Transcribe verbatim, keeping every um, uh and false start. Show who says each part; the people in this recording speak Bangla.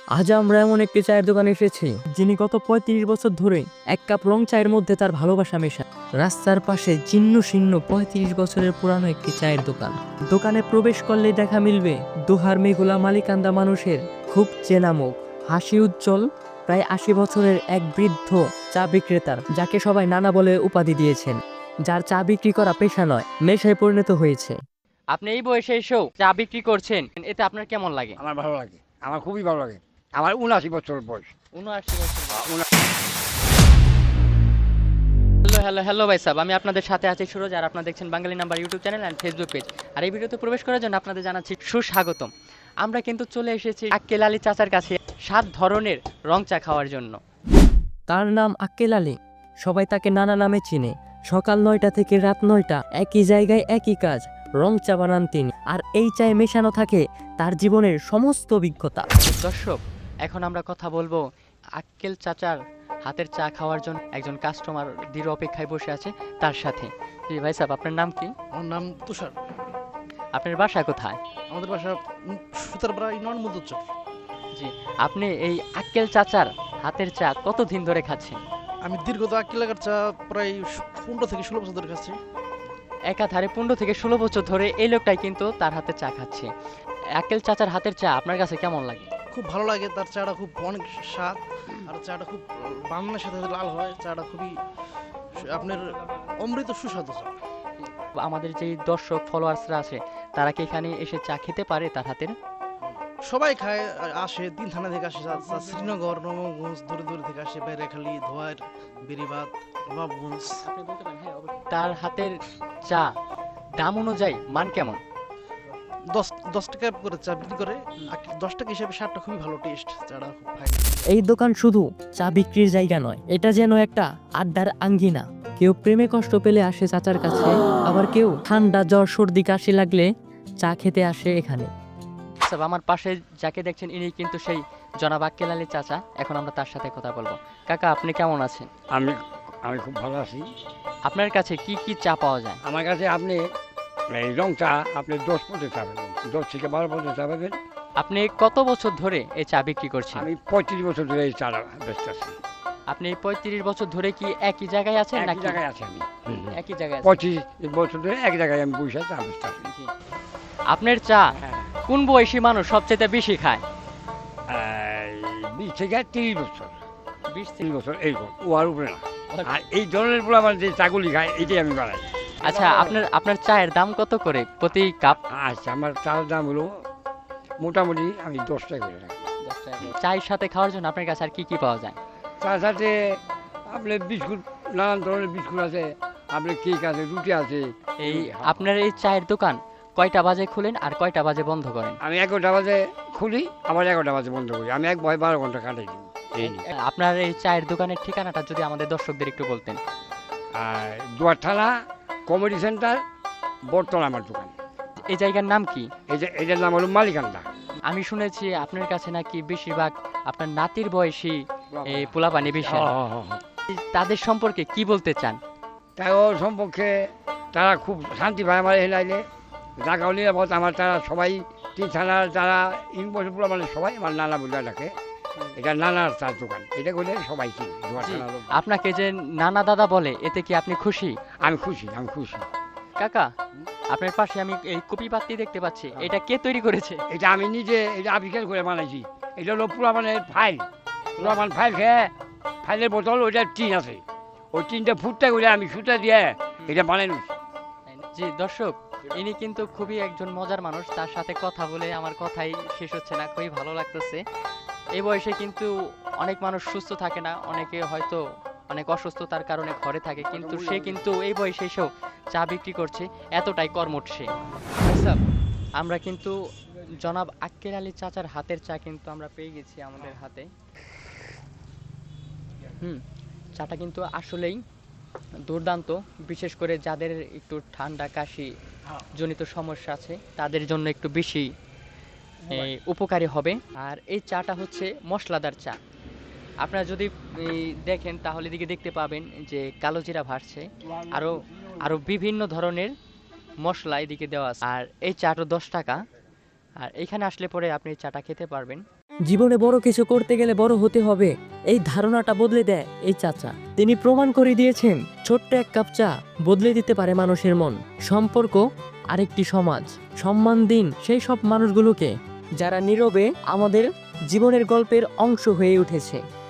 Speaker 1: আজ আমরা এমন একটি চায়ের দোকানে এসেছি যিনি গত পঁয়ত্রিশ বছর ধরে এক কাপ রং চায়ের মধ্যে তার ভালোবাসা মেশান। রাস্তার পাশে জীর্ণ শীর্ণ পঁয়ত্রিশ বছরের পুরানো একটি চায়ের দোকান। দোকানে প্রবেশ করলে দেখা মিলবে দুহার মেঘুলা মালিকান্দা মানুষের খুব চেনা মুখ, হাসি উজ্জ্বল প্রায় আশি বছরের এক বৃদ্ধ চা বিক্রেতার, যাকে সবাই নানা বলে উপাধি দিয়েছেন, যার চা বিক্রি করা পেশা নয় নেশায় পরিণত হয়েছে।
Speaker 2: আপনি এই বয়সে এসেও চা বিক্রি করছেন, এতে আপনার কেমন লাগে?
Speaker 3: আমার ভালো লাগে, আমার খুবই ভালো লাগে। আমার উনআশি বছর বয়স।
Speaker 2: উনআশি বছর।
Speaker 3: আ, উনা-
Speaker 2: হ্যালো হ্যালো হ্যালো ভাই সাহেব, আমি আপনাদের সাথে আছি সুরজ, আর আপনারা দেখছেন Bangali number YouTube channel and Facebook page. আর এই ভিডিওতে প্রবেশ করার জন্য আপনাদের জানাচ্ছি সুস্বাগতম। আমরা কিন্তু চলে এসেছি আক্কেল আলী চাচার কাছে সাত ধরনের রং চা খাওয়ার জন্য।
Speaker 1: তার নাম আক্কেল আলী, সবাই তাকে নানা নামে চিনে। সকাল নয়টা থেকে রাত নয়টা একই জায়গায় একই কাজ, রং চা বানান তিনি। আর এই চায়ে মেশানো থাকে তার জীবনের সমস্ত অভিজ্ঞতা।
Speaker 2: দর্শক, এখন আমরা কথা বলবো আক্কেল চাচার হাতের চা খাওয়ার জন্য একজন কাস্টমার দৃঢ় অপেক্ষায় বসে আছে তার সাথে। জি ভাই সাহেব, আপনার নাম কি?
Speaker 4: আমার নাম তুষার।
Speaker 2: আপনার বাসা কোথায়?
Speaker 4: আমাদের বাসা উম, সুতারপাড়া ইউনিয়ন মধ্যচর।
Speaker 2: জি, আপনি এই আক্কেল চাচার হাতের চা কতদিন ধরে খাচ্ছেন?
Speaker 4: আমি দীর্ঘত আক্কি লাগার চা প্রায় পনেরো থেকে ষোলো বছর ধরে খাচ্ছি।
Speaker 2: একাধারে পনেরো থেকে ষোলো বছর ধরে এই লোকটাই কিন্তু তার হাতে চা খাচ্ছে। আক্কেল চাচার হাতের চা আপনার কাছে কেমন লাগে?
Speaker 4: খুব ভালো লাগে, তার চাটা খুব অনেক স্বাদ। আর চাটা খুব বান্নার সাথে লাল হয়, চাটা খুবই সু- আপনার অমৃত সুস্বাদু চা।
Speaker 2: আমাদের যে দর্শক ফলোয়ার্সরা আছে তারা কি এখানে এসে চা খেতে পারে তার হাতের?
Speaker 4: সবাই খায়, আ- আসে তিন থানা থেকে আসে চা- চা শ্রীনগর, নবগঞ্জ, দূরে দূরে থেকে আসে, বাইরেখালি, ধোয়ার, বেরিবাদ, নবাবগঞ্জ।
Speaker 2: তার হাতের চা দাম অনুযায়ী মান কেমন?
Speaker 4: দশ দশ টাকা করে চা বিক্রি করে। আক্কি- দশ টাকা হিসেবে স্বাদটা খুবই ভালো, টেস্ট চাটা খুব ফাইন।
Speaker 1: এই দোকান শুধু চা বিক্রির জায়গা নয়, এটা যেন একটা আড্ডার আঙ্গিনা। কেউ প্রেমে কষ্ট পেলে আসে চাচার কাছে, আবার কেউ ঠান্ডা জ্বর সর্দি কাশি লাগলে চা খেতে আসে এখানে।
Speaker 2: স্যার, আমার পাশে যাকে দেখছেন ইনি কিন্তু সেই জনাব আক্কেল আলী চাচা। এখন আমরা তার সাথে কথা বলবো। কাকা, আপনি কেমন আছেন?
Speaker 3: আমি আমি খুব ভালো আছি।
Speaker 2: আপনার কাছে কি কি চা পাওয়া যায়?
Speaker 3: আমার কাছে আপনি এই রং চা আপনি দশ পথে চা পাবেন, দশ থেকে বারো পথে চা পাবেন।
Speaker 2: আপনি কত বছর ধরে এই চা বিক্রি করছেন?
Speaker 3: আমি পঁয়ত্রিশ বছর ধরে এই চাটা ব্যস্ত আছি।
Speaker 2: আপনি পঁয়ত্রিশ বছর ধরে কি একই জায়গায় আছেন
Speaker 3: এক
Speaker 2: নাকি?
Speaker 3: জায়গায় আছি আমি। হুম, হুম।
Speaker 2: একই জায়গায় আছেন।
Speaker 3: পঁচিশ বছর ধরে এক জায়গায় আমি বসে চা ব্যস্ত আছি।
Speaker 2: জি। আপনার চা
Speaker 3: হ্যাঁ,
Speaker 2: কোন বয়সী মানুষ সবচেয়ে বেশি খায়?
Speaker 3: এই বিশ থেকে তিরিশ বছর,
Speaker 2: বিশ থেকে।
Speaker 3: তিরিশ বছর এইরকম, ও আর উপরে না। আর এই ধরনের পোলা আমার যে চাগুলি খায় এটাই আমি বানাই।
Speaker 2: আচ্ছা, আপনার আপনার চায়ের দাম কত করে প্রতি কাপ?
Speaker 3: আচ্ছা, আমার চার দাম হলো মোটামুটি আমি দশ টাকা করে রাখি।
Speaker 2: চায়ের সাথে খাওয়ার জন্য আপনার কাছে আর কি কি পাওয়া যায়?
Speaker 3: তার সাথে আপনার বিস্কুট, নানান ধরনের বিস্কুট আছে, আপনার কেক আছে, রুটি আছে।
Speaker 2: এই আপনার এই চায়ের দোকান কয়টা বাজে খুলেন আর কয়টা বাজে বন্ধ করেন?
Speaker 3: আমি এগারোটা বাজে খুলি, আবার এগারোটা বাজে বন্ধ করি। আমি এক ভয় বারো ঘন্টা কাটাই দিই এই নিয়ে।
Speaker 2: আপনার এই চায়ের দোকানের ঠিকানাটা যদি আমাদের দর্শকদের একটু বলতেন।
Speaker 3: আর দুয়ার থানা, কমেডি সেন্টার, বটতলা আমার দোকান।
Speaker 2: এই জায়গার নাম কি?
Speaker 3: এই যে এটার নাম হলো মালিকান্দা।
Speaker 2: আমি শুনেছি আপনার কাছে নাকি বেশিরভাগ আপনার নাতির বয়সী এই পোলাপানি বেশি।
Speaker 3: হ্যাঁ, হ্যাঁ, হ্যাঁ, হ্যাঁ।
Speaker 2: তাদের সম্পর্কে কি বলতে চান?
Speaker 3: তাই ওর সম্পর্কে তারা খুব শান্তি পায় আমার হেলাইলে, জাগাও নিরাপদ। আমার তারা সবাই তিন থানার যারা ইউনিভার্সিটি মানে সবাই আমার নানা বলে ডাকে। এটা নানার চার দোকান, এটা করলে সবাই চিনি। দুয়ার
Speaker 2: জি,
Speaker 3: থানার লোক।
Speaker 2: আপনাকে যে নানা দাদা বলে এতে কি আপনি খুশি?
Speaker 3: আমি খুশি, আমি খুশি।
Speaker 2: কাকা, আপনার পাশে আমি এই কপি পাত্তি দেখতে পাচ্ছি, এটা কে তৈরি করেছে?
Speaker 3: এটা আমি নিজে এটা আবিষ্কার করে বানাইছি। এটা হলো পুরামানের ফাইল, পুরামান ফাইল খেয়ে ফাইলের বোতল, ওইটা টিন আছে, ওই টিনটা ফুটতে করে আমি সুতা দিয়ে এটা বানাই নিচ্ছি।
Speaker 2: জি দর্শক, ইনি কিন্তু খুবই একজন মজার মানুষ। তার সাথে কথা বলে আমার কথাই শেষ হচ্ছে না, খুবই ভালো লাগতেছে। এই বয়সে কিন্তু অনেক মানুষ সুস্থ থাকে না, অনেকে হয়তো অনেক অসুস্থতার কারণে ঘরে থাকে, কিন্তু সে কিন্তু এই বয়সে এসেও চা বিক্রি করছে, এতটাই কর্মঠ সে। আচ্ছা, আমরা কিন্তু জনাব আক্কেল আলী চাচার হাতের চা কিন্তু আমরা পেয়ে গেছি আমাদের হাতে। হুম, চাটা কিন্তু আসলেই দুর্দান্ত, বিশেষ করে যাদের একটু ঠান্ডা কাশি জনিত সমস্যা আছে তাদের জন্য একটু বেশি এই, উপকারী হবে। আর এই চাটা হচ্ছে মশলাদার চা। আপনারা যদি এই, দেখেন তাহলে এদিকে দেখতে পাবেন যে কালো জিরা ভাসছে, আরো আরো বিভিন্ন ধরনের মশলা এদিকে দেওয়া আছে। আর এই চাটা দশ টাকা। আর এখানে আসলে পরে আপনি এই চাটা খেতে পারবেন।
Speaker 1: জীবনে বড় কিছু করতে গেলে বড় হতে হবে, এই ধারণাটা বদলে দেয় এই চাচা। তিনি প্রমাণ করে দিয়েছেন ছোট্ট এক কাপ চা বদলে দিতে পারে মানুষের মন, সম্পর্ক, আরেকটি সমাজ। সম্মান দিন সেই সব মানুষগুলোকে যারা নীরবে আমাদের জীবনের গল্পের অংশ হয়ে উঠেছে।